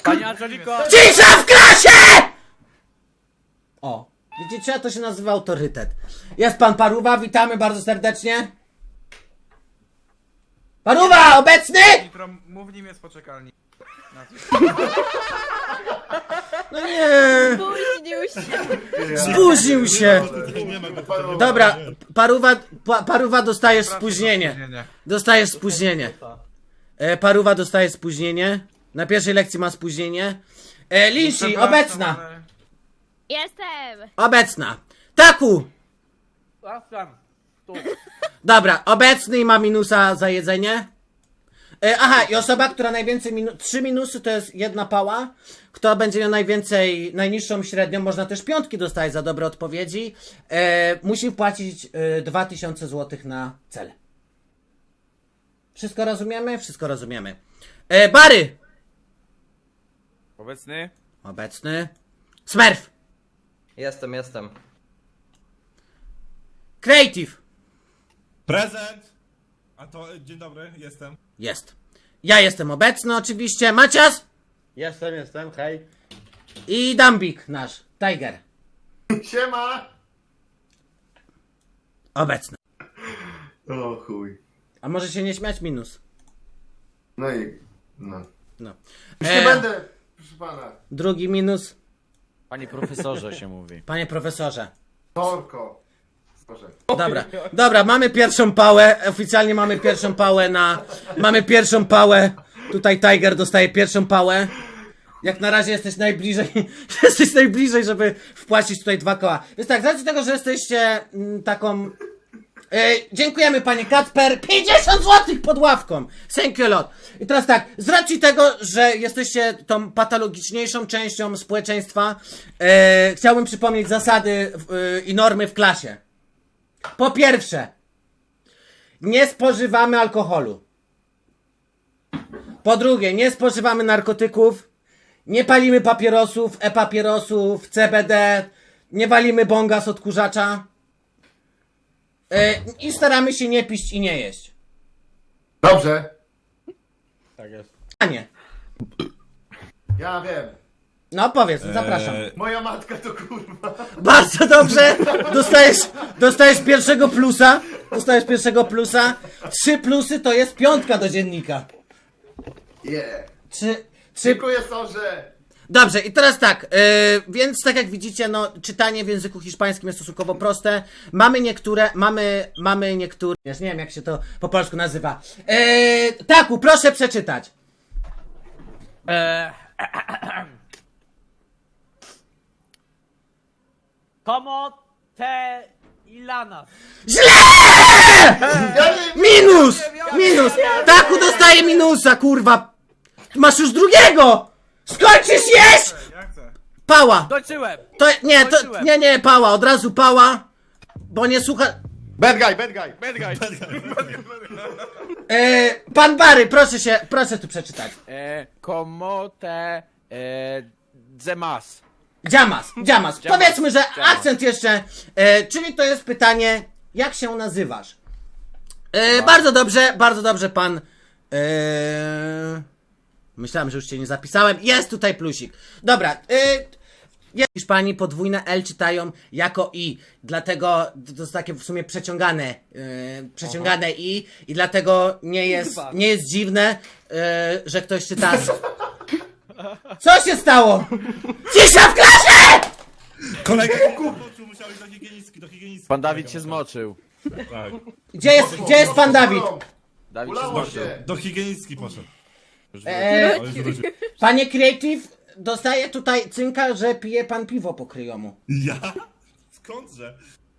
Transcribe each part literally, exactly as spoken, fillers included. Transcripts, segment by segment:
Pani Angeliko! Cisza w klasie! O, widzicie, to się nazywa autorytet. Jest pan Paruwa, witamy bardzo serdecznie. Paruwa, obecny? Nitro, mów nim jest poczekalni. No nie, Spóźnił się. spóźnił się. Dobra, Paruwa, pa, Paruwa dostajesz spóźnienie. Dostajesz spóźnienie. E, Paruwa dostaje spóźnienie. Na pierwszej lekcji ma spóźnienie. E, Linsi, obecna. Jestem. Obecna. Taku. Dobra, obecny i ma minusa za jedzenie. E, aha, i osoba, która najwięcej minu trzy minusy to jest jedna pała. Kto będzie miał najwięcej, najniższą średnią, można też piątki dostać za dobre odpowiedzi. E, musi wpłacić e, dwa tysiące złotych na cel. Wszystko rozumiemy? Wszystko rozumiemy. E, Bary! Obecny? Obecny. Smurf! Jestem, jestem. Creative! Prezent! A to, dzień dobry, jestem. Jest. Ja jestem obecny oczywiście. Macias! Jestem, jestem, hej. I Dambik nasz. Tiger. Siema! Obecny. O chuj. A może się nie śmiać? Minus. No i... no. No. Już E, nie będę, proszę pana. Drugi minus. Panie profesorze się mówi. Panie profesorze. Torko. Proszę. Dobra, dobra, mamy pierwszą pałę. Oficjalnie mamy pierwszą pałę na... Mamy pierwszą pałę. Tutaj Tiger dostaje pierwszą pałę. Jak na razie jesteś najbliżej, jesteś najbliżej, żeby wpłacić tutaj dwa koła. Więc tak, z racji tego, że jesteście mm, taką... E, dziękujemy panie Kacper, pięćdziesiąt złotych pod ławką. Thank you a lot. I teraz tak, z racji tego, że jesteście tą patologiczniejszą częścią społeczeństwa, e, chciałbym przypomnieć zasady e, i normy w klasie. Po pierwsze, nie spożywamy alkoholu. Po drugie, nie spożywamy narkotyków, nie palimy papierosów, e-papierosów, C B D, nie walimy bonga z odkurzacza yy, i staramy się nie pić i nie jeść. Dobrze. Tak jest. A nie. Ja wiem. No powiedz, zapraszam. Eee, Moja matka to kurwa. Bardzo dobrze, dostajesz, dostajesz pierwszego plusa, dostajesz pierwszego plusa. Trzy plusy to jest piątka do dziennika. Yeah. Trzy, trzy, Dziękuję Sorze. Dobrze, i teraz tak, yy, więc tak jak widzicie, no, czytanie w języku hiszpańskim jest stosunkowo proste. Mamy niektóre, mamy, mamy niektóre, nie wiem jak się to po polsku nazywa. Yy, Taku, proszę przeczytać. Eee, Como te Ilana. Źle! Minus! Minus! Taku dostaje minusa, kurwa! Masz już drugiego! Skończysz jeść? Ja chcę. Pała! Dończyłem! To, nie, to, Skończyłem. nie, nie, pała, od razu pała, bo nie słucha... Bad guy, bad guy. Bad guy. Yy, pan Bary, proszę się, proszę tu przeczytać. Eee, como te eee, Zemas. Dziamas, dziamas. Dziamas, Powiedzmy, że dziamas. akcent jeszcze, e, czyli to jest pytanie, jak się nazywasz? E, bardzo dobrze, bardzo dobrze pan. E, myślałem, że już cię nie zapisałem. Jest tutaj plusik. Dobra. E, w Hiszpanii podwójne L czytają jako I, dlatego to jest takie w sumie przeciągane, e, przeciągane I i dlatego nie jest, nie jest dziwne, e, że ktoś czyta... Co się stało? Cisza w klasie! kolega poczuł, musiał iść do higienistki, do higienistki. Pan Dawid się zmoczył. Tak. Gdzie jest, gdzie jest pan Dawid? Dawid się Ulało zmoczył. się. Do higienistki poszedł. Już Eee, wrócił. O, już wrócił. Panie Creative, dostaje tutaj cynka, że pije pan piwo po kryjomu. Ja? Skądże?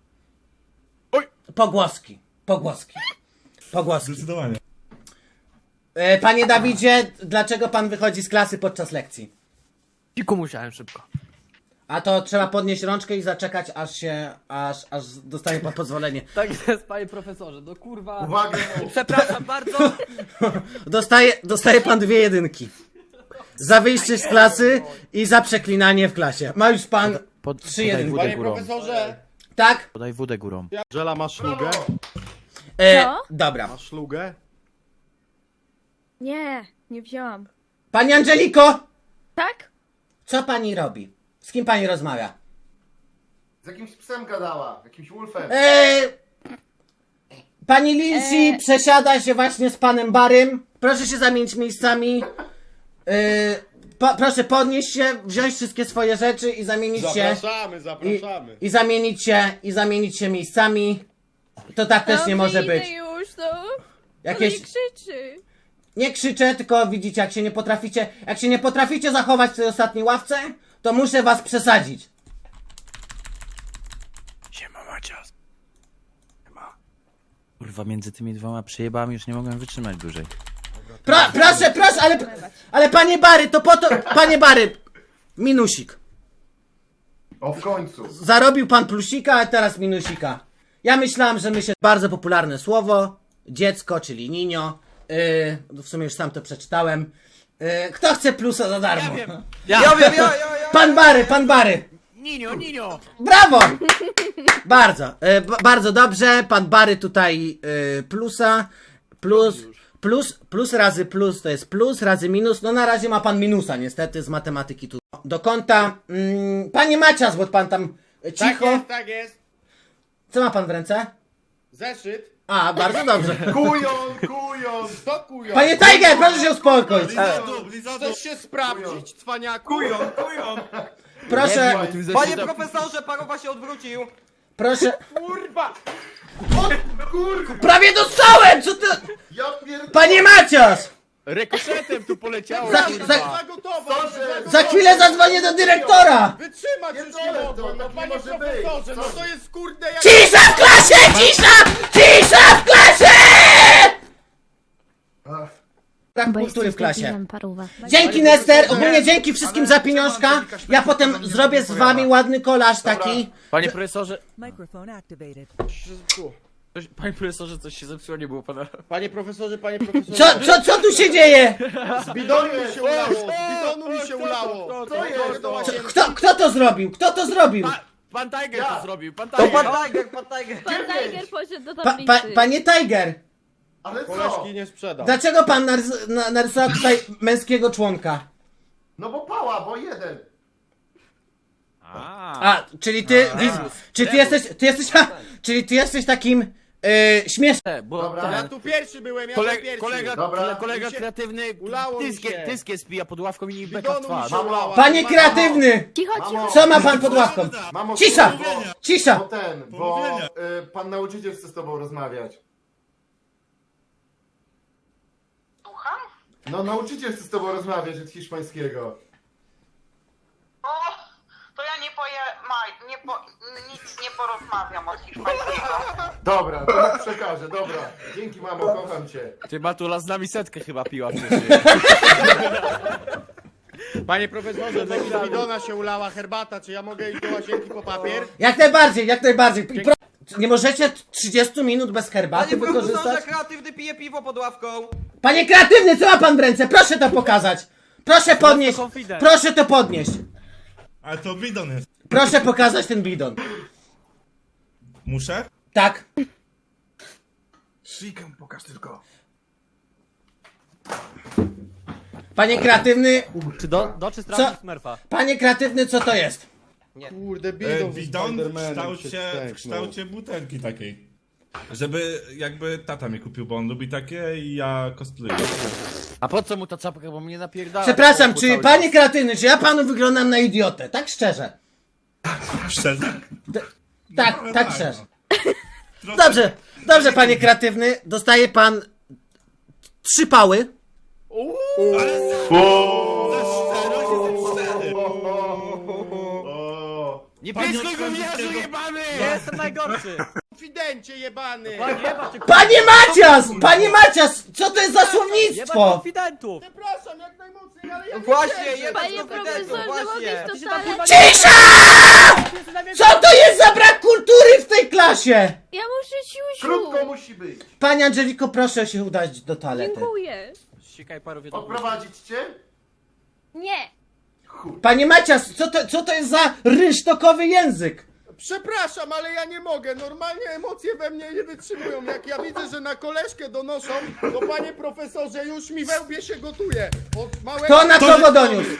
Pogłoski, pogłoski, pogłoski. Zdecydowanie. E, panie Dawidzie, dlaczego pan wychodzi z klasy podczas lekcji? Ciku musiałem szybko. A to trzeba podnieść rączkę i zaczekać, aż się, aż, aż dostanie pan pozwolenie. Tak jest, panie profesorze, no kurwa. Uwaga. Przepraszam bardzo. Dostaje, dostaje pan dwie jedynki. Za wyjście z klasy i za przeklinanie w klasie. Ma już pan Pod, trzy podaj jedynki. wódę górą. Tak? Podaj wódę górą. Angela, masz szlugę? E, Co? dobra. Masz szlugę? Nie, nie wziąłam. Pani Angeliko! Tak? Co pani robi? Z kim pani rozmawia? Z jakimś psem gadała, jakimś wolfem. Eee, pani Lindsay Eee. przesiada się właśnie z panem Barym. Proszę się zamienić miejscami. Eee, po, proszę podnieść się, wziąć wszystkie swoje rzeczy i zamienić się. Zapraszamy, I, zapraszamy. I zamienić się, i zamienić się miejscami. To tak też nie Dobrze, może idę być. już, no. Jakieś... Nie krzyczy. Nie krzyczę, tylko widzicie, jak się nie potraficie, jak się nie potraficie zachować w tej ostatniej ławce, to muszę was przesadzić. Siema Macias. Siema. Kurwa, między tymi dwoma przejebami już nie mogłem wytrzymać dłużej. Pro, proszę, proszę, ale, ale panie Bary, to po to, panie Bary, minusik. O, w końcu. Zarobił pan plusika, a teraz minusika. Ja myślałem, że myślę, bardzo popularne słowo, dziecko, czyli ninio. Yy, w sumie już sam to przeczytałem. Yy, kto chce plusa za darmo? Ja wiem. Ja wiem, ja, ja, ja. Pan Bary, pan Bary. Ninio, Ninio! Brawo! Bardzo, e, b- bardzo dobrze. Pan Bary tutaj e, plusa. Plus, plus, plus razy plus to jest plus, razy minus. No na razie ma pan minusa niestety z matematyki tu. Do konta. Mm, panie Macias, bo pan tam e, Tak cicho. jest, tak jest. Co ma pan w ręce? Zeszyt. A, bardzo dobrze. Kujon, kujon. To kujon. Panie Tiger, proszę się uspokoić. Lizadu, Lizadu. Chcesz się sprawdzić, cwaniaku? Kujon, kujon. Proszę, Panie profesorze, parowa się odwrócił. proszę. Kurwa! Prawie dostałem! Co ty? Ja pierdolę. Panie Macias! Rekoszetem tu poleciało, Za- kurwa. za- Za gotowo! Proszę. Za chwilę zadzwonię do dyrektora! Wytrzymać już nie Pierdolę mogłem, to, no tak nie panie może profesorze, być. no Co? to jest kurde jak... Cisza w klasie! Cisza! Cisza w klasie! Ach, Brak kultury w klasie. Paruwa. Dzięki Nester, ogólnie dzięki wszystkim za pieniążka. Ja potem zrobię z wami ładny kolaż taki. Panie profesorze... Microphone activated. Coś, panie profesorze, coś się zepsuło, nie było pana... Panie profesorze, panie profesorze. Co, co, co tu się dzieje? Z bidonu mi się ulało, z bidonu mi się ulało. Co jest? Do łazienki. Kto, kto to zrobił? Kto to zrobił? Pa, pan Tiger Ja. to zrobił, pan To Tiger. pan Tiger, pan Tiger. Pan Tiger poszedł do Pa, tablicy. pa, panie Tiger, ale co? Koleżki nie sprzedał. dlaczego pan narys na, narysował tutaj męskiego członka? No bo pała, bo jeden. A, A, czyli ty, wiz, czy ty jesteś, ty jesteś, ha, czyli ty jesteś takim yy, śmiesznym. bo Dobra. ten, Ja tu pierwszy byłem, ja tu kolega, pierwszy. kolega, Dobra. kolega Mi się- kreatywny ulało mi tyskie, się. tyskie spija pod ławką i Z beka w bidonu mi twarz. się ulało. Panie kreatywny! Cicho, cicho. Mamo. Co ma pan pod ławką? Mamo, Cisza! bo, Cisza! bo ten, bo Pomówienia. y, pan nauczyciel chce z tobą rozmawiać. Słucham? No nauczyciel chce z tobą rozmawiać od hiszpańskiego. O, to ja nie poje... Maj, nie po... nic nie porozmawiam od hiszpańskiego. Dobra, to mu przekażę, dobra. Dzięki mamo, kocham cię. Ty Matula z nami setkę chyba piła wcześniej. Panie profesorze, z bidona się ulała herbata, czy ja mogę iść do łazienki po papier? Jak najbardziej, jak najbardziej. I pro... Nie możecie trzydzieści minut bez herbaty Panie profesorze, wykorzystać? kreatywny pije piwo pod ławką. Panie kreatywny, co ma pan w ręce? Proszę to pokazać. Proszę podnieść. confident. Proszę to podnieść. Ale to bidon jest. Proszę pokazać ten bidon. Muszę? Tak. Shikę pokaż tylko. Panie kreatywny, Czy do, do czy Co? sprawdzić Smurfa? panie kreatywny, co to jest? Kurde, E, bidon z bidon w Spidermanem kształcie, się w stęknął. kształcie butelki takiej. Żeby jakby tata mi kupił, bo on lubi takie i ja cosplayu. A po co mu ta czapka, bo mnie napierdala. Przepraszam, po czy cały panie czas. kreatywny, czy ja panu wyglądam na idiotę? Tak szczerze. Szczerze? Tak, No tak no. szczerze. Trochę- Dobrze, dobrze panie kreatywny. Dostaje pan trzy pały. Ale za... Za szczerość jest cztery. O, Nie Panie pyskuj gówniarzu Otwartego- jebany! Ja jestem najgorszy! Konfidencie jebany! Panie, jeba cię, Panie Macias! Panie Macias! Co to jest za jeba słownictwo? konfidentów! Przepraszam, jak najmocniej, ale ja nie Właśnie, wierzę. jebać Panie konfidentów, profesorze, właśnie. mogę Ty w się tam totalę... chyba Cisza! nie... Co to jest za brak kultury w tej klasie? Ja muszę siusiu. krótko musi być. Pani Angeliko, proszę się udać do toalety. Dziękuję. Sikaj paru wiedzą. Odprowadzić cię? Nie. Panie Macias, co to, co to jest za rynsztokowy język? Przepraszam, ale ja nie mogę. Normalnie emocje we mnie nie wytrzymują. Jak ja widzę, że na koleżkę donoszą, to panie profesorze, już mi we łbie się gotuje. Od małego... Kto na kogo doniósł?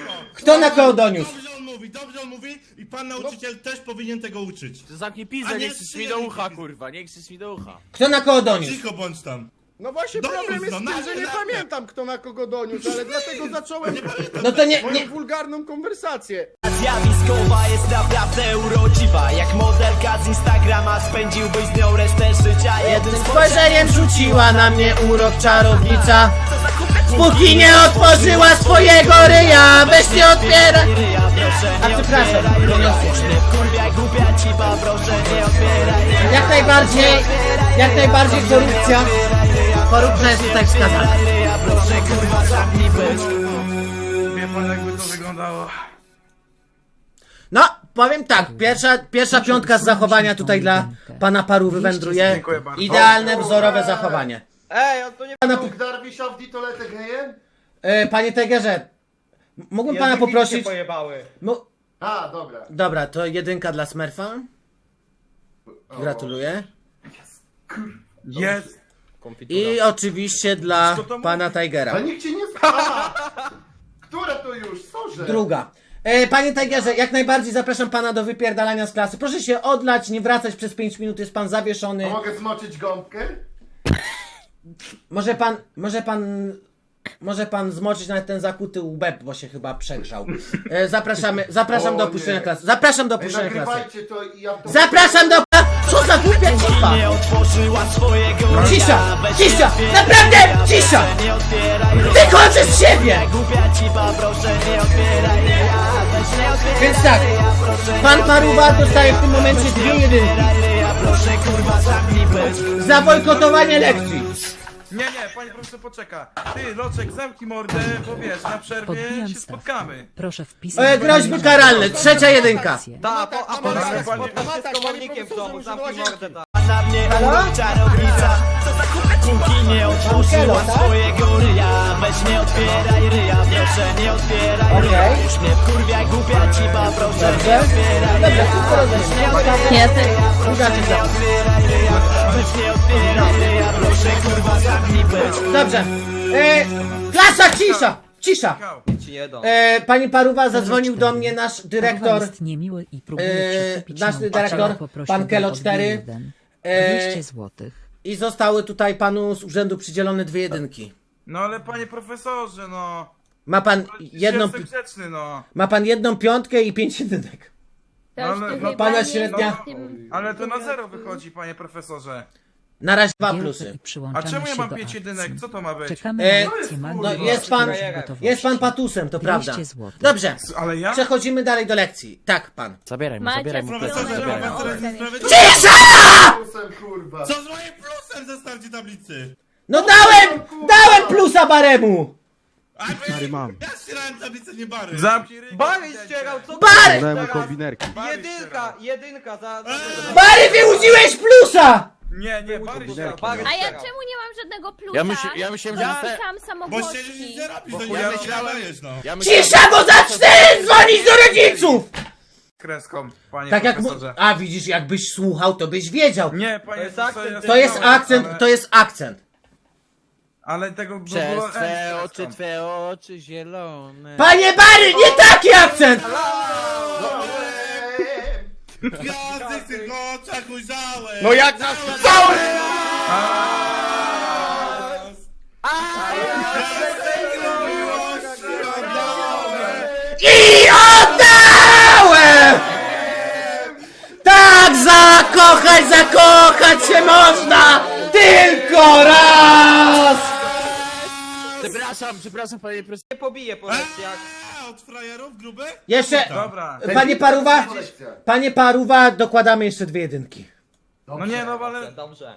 Kto na kogo doniósł? Dobrze on mówi, dobrze on mówi i pan nauczyciel też powinien tego uczyć. Zamknij A pizdę, nie nie krzyż mi trzy do jedynki ucha, pizdy. kurwa, nie krzyż mi do ucha. Kto na kogo doniósł? Cicho bądź tam. No właśnie Doniósł, problem jest no, w na- tym, że nie na- pamiętam kto na kogo doniósł, ale dlatego zacząłem No to nie, moją nie. wulgarną konwersację. Zjawiskowa jest naprawdę urodziwa. Jak modelka z Instagrama spędziłbyś z nią resztę życia. Jednym Spojrzeniem rzuciła na mnie urok czarownica. Póki nie otworzyła swojego ryja, weź nie otwieraj. ryja, proszę A nie przepraszam, otwieraj ryja. doniosłem. Już mnie wkurwia głupia ciba, proszę nie otwieraj ryja. Jak najbardziej, jak najbardziej korupcja. Korupcja jest tutaj wskazana. Ryja, proszę kurwa zamknij pysk. Wie pan jakby to wyglądało. No, powiem tak, pierwsza, pierwsza piątka z zachowania tutaj dla pana paru wywędruje. Dziękuję bardzo. Idealne, wzorowe zachowanie. Ej, on to nie... Pana, Bóg Darwisza w ditoletę gejem? e, panie Tegerze, m- mógłbym pana Języki mi się poprosić... pojebały. Mo- A, dobra. Dobra, to jedynka dla Smurfa. Gratuluję. Jest! I oczywiście dla pana Tigera. Ale nikt cię nie zna. Które to już? Sorze. Druga. E, panie Tigerze, jak najbardziej zapraszam pana do wypierdalania z klasy. Proszę się odlać, nie wracać przez pięć minut, jest pan zawieszony. A mogę zmoczyć gąbkę? Może pan, może pan, może pan zmoczyć nawet ten zakuty łeb, bo się chyba przegrzał. E, zapraszamy, zapraszam O do opuszczenia nie. klasy. Zapraszam do Ej, opuszczenia klasy. nagrywajcie to i ja to... Zapraszam do... Co za głupia cipa! Nie otworzyła swojego ryja. Cisza! Weź Cisza! nie otwieraj Naprawdę! ryja, Cisza! proszę nie otwieraj ryja. Wychodzę z siebie! Głupia ciba, proszę nie otwieraj ryja. Weź nie otwieraj Więc tak, ryja, proszę pan nie Paruwa otwieraj dostaje w tym momencie dwie jedynki. ryja. Proszę kurwa zamknij pysk. Za bojkotowanie lekcji. Nie, nie, pani profesor poczeka. Ty, Loczek, zamknij mordę, bo wiesz, na przerwie Podbijam się stawkę. spotkamy. Proszę wpisać... E, groźby karalne, trzecia jedynka. Ta, po, a potem tak, się spotkam tak, się z panie komornikiem w profesorze, domu, muszę zamknij do mordę, ta. Na mnie Halo? urok czarownica. Póki nie otworzyła tak? swojego ryja. Weź nie otwieraj ryja, proszę nie otwieraj ryja. Okej. Już mnie wkurwia głupia ciba, proszę nie Dobrze. otwieraj Dobrze, ryja. wszystko rozumiem. Nie, ty. Druga czyta. Otwieraj ryja, weź nie otwieraj ryja, proszę kurwa zamknij pysk. Dobrze. E, klasa, cisza! Cisza! Kał. Ci nie dam. E, pani Paruwa zadzwonił do mnie nasz dyrektor. jest niemiły i próbuje e, przekupić nasz nauczyciela, dyrektor, poprosił pan go Kelo o dwie cztery. jeden. E, dwieście złotych. I zostały tutaj panu z urzędu przydzielone dwie jedynki. No ale panie profesorze, no. Ma pan jedną, Jestem grzeczny, no. ma pan jedną piątkę i pięć jedynek. To już Ale- ty no, chyba pana nie średnia- jesteś tym- Ale to na zero wychodzi, panie profesorze. Na razie dwa Gielkę plusy. i A przyłączamy czemu ja się mam do pięć akcji. jedynek? Co to ma być? Czekamy E, na akcję no, Magdy jest pan, w gotowości. jest pan patusem, to prawda. dwieście złotych. Dobrze, Ale ja? przechodzimy dalej do lekcji. Tak, pan. Zabieraj mu, Macie zabieraj mu. Profesorze, Dobra, ma pan dobra, teraz dobra. niesprawiedliwość. Plusem, kurwa. Co z moim plusem ze starcie tablicy? No dałem, dałem plusa Baremu! A wy, ja ścierałem tablicę, nie bary. Zamknij ryj. Bary ścierał, co Bary! Dałem kombinerki. Jedynka, jedynka, za... za... Bary, wyłudziłeś plusa! Nie, nie, Bary ścierał. Bary A ja ścierał. czemu nie mam żadnego plusa? Ja myśl- ja myślałem, że Bo dosta- sam Bo chcieli nic samogłoski. nie robić, to Bo ja nie myślałem- dajesz, no. Ja myślę, Cisza, bo za cztery dzwonić do rodziców! Kreską, panie Tak jak mu... profesorze. A widzisz, jakbyś słuchał, to byś wiedział. Nie, panie To jest profesorze, akcent, ja To jest słuchałem, akcent, ale- to jest akcent. Ale tego by Przez było... twe Ej, oczy, kreską. twe oczy zielone. Panie Bary, nie taki akcent! Gwiazdy w tych oczach ujrzałem. No jak nas Cały! I oddałem! Tak, zakochać, zakochać się można! Tylko raz! Przepraszam, przepraszam panie profesorze. Nie pobiję po lekcjach. A, od frajerów gruby? Jeszcze, Dobra. panie Paruwa, panie Paruwa, dokładamy jeszcze dwie jedynki. No nie, no ale... Dobrze.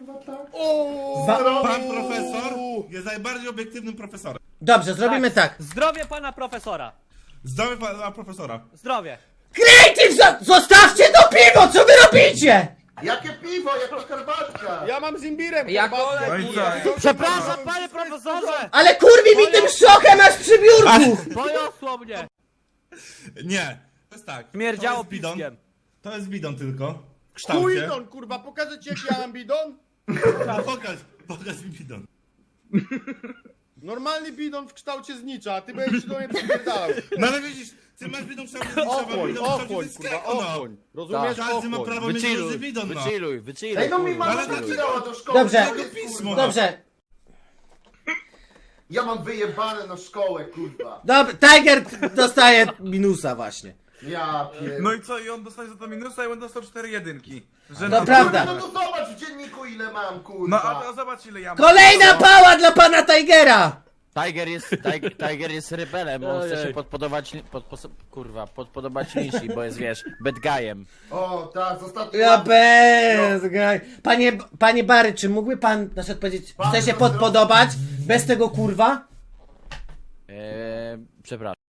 Pan profesor jest najbardziej obiektywnym profesorem. Dobrze, zrobimy tak. Zdrowie pana profesora. Zdrowy pana profesora. Zdrowie. Creative, zo- zostawcie to piwo, co wy robicie? Jakie piwo, jaka herbatka. Ja mam z imbirem. Ja herbatkę. No i co? Przepraszam, panie profesorze. Ale kurwi mi tym szochem aż przy biurku! Poniosło mnie. Nie. To jest tak. Śmierdziało to jest bidon. piskiem. To jest bidon tylko. W kształcie. Kujdon, kurwa, pokażę ci jaki ja mam bidon? No, pokaż, pokaż mi bidon. Normalny bidon w kształcie znicza, a ty będziesz do mnie przypierdalał. No ale widzisz, ty masz bidon w kształcie znicza, mam Ochłoń, bidon w kształcie ochłoń, dyskiego, kurwa, no. ochłoń. Rozumiesz? Każdy ma Ochłoń. prawo mieć Wychilluj, różny bidon, no. wychilluj, wychilluj. Ej, no mi kurwa. mama Ale to- zabierała do szkoły. Dobrze. co jest, Pismo, kurwa? no. Dobrze. Ja mam wyjebane na szkołę, kurwa. Dobra, Tiger dostaje minusa właśnie. Ja pier... No i co, i on dostanie za to minusa i on dostał cztery jedynki. Że To na- prawda. No to zobacz w dzienniku ile mam, No kurwa. a, a zobacz ile ja mam. Kolejna pała dla pana Tigera! Tiger jest, Tiger, Tiger jest rebelem, on chce Ojej. się podpodobać, pod, pod, kurwa, podpodobać Nishi, bo jest, wiesz, bad guyem. O, tak, z ostatniej Ja łapy. bez, graj. Panie, panie Bary, czy mógłby pan na przykład powiedzieć, chce się podpodobać bez tego kurwa? Eee, przepraszam.